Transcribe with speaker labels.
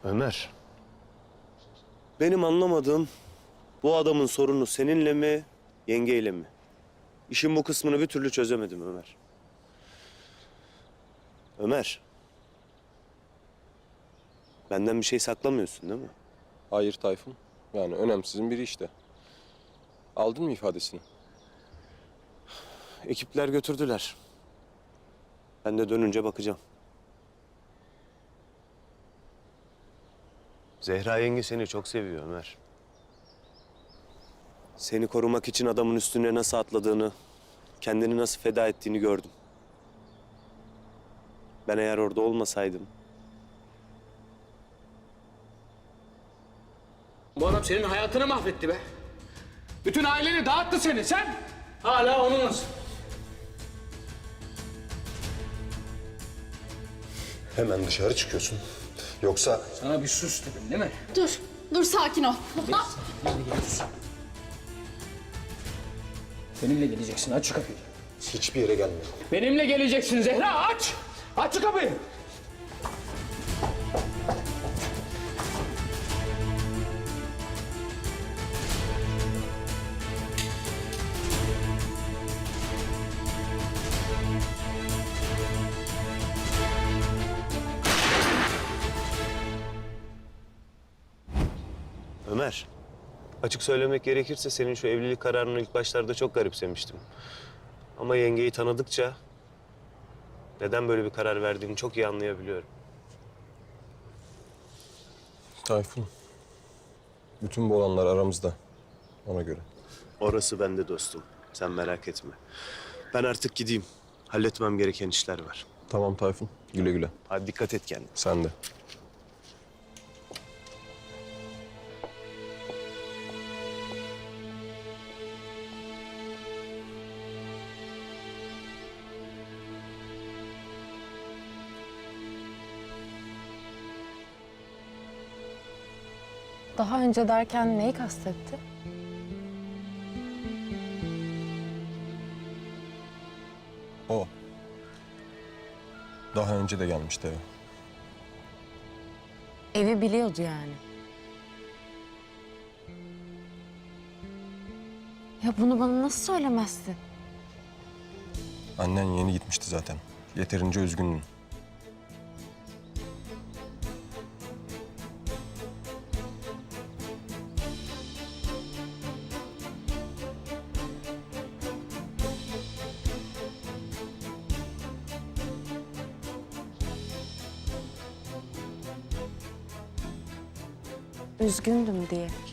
Speaker 1: Ömer. Benim anlamadığım bu adamın sorunu seninle mi, yengeyle mi? İşin bu kısmını bir türlü çözemedim Ömer. Ömer. Benden bir şey saklamıyorsun değil mi?
Speaker 2: Hayır Tayfun. Yani önemsizin biri işte. Aldın mı ifadesini?
Speaker 1: Ekipler götürdüler. Ben de dönünce bakacağım. Zehra yenge seni çok seviyor Ömer. Seni korumak için adamın üstüne nasıl atladığını, kendini nasıl feda ettiğini gördüm. Ben eğer orada olmasaydım...
Speaker 3: Bu adam senin hayatını mahvetti be. Bütün aileni dağıttı seni. Sen hala onunlasın.
Speaker 4: Hemen dışarı çıkıyorsun. Yoksa
Speaker 3: Sana bir sus dedim değil mi?
Speaker 5: Dur sakin ol.
Speaker 3: Benimle geleceksin. Aç şu kapıyı.
Speaker 4: hiçbir yere gelme.
Speaker 3: Benimle geleceksin Zehra. Aç. Aç şu kapıyı.
Speaker 1: Ömer, açık söylemek gerekirse senin şu evlilik kararını ilk başlarda çok garipsemiştim. Ama yengeyi tanıdıkça neden böyle bir karar verdiğini çok iyi anlayabiliyorum.
Speaker 2: Tayfun. Bütün bu olanlar aramızda. Ona göre.
Speaker 1: Orası bende dostum. Sen merak etme. Ben artık gideyim. Halletmem gereken işler var.
Speaker 2: Tamam Tayfun. Güle güle.
Speaker 1: Hadi dikkat et kendine.
Speaker 2: Sen de.
Speaker 6: Daha önce derken neyi kastetti?
Speaker 2: O. Daha önce de gelmişti eve.
Speaker 6: Evi biliyordu yani. Ya bunu bana nasıl söylemezsin?
Speaker 2: Annen yeni gitmişti zaten. Yeterince üzgündün.
Speaker 6: Üzgündüm diye.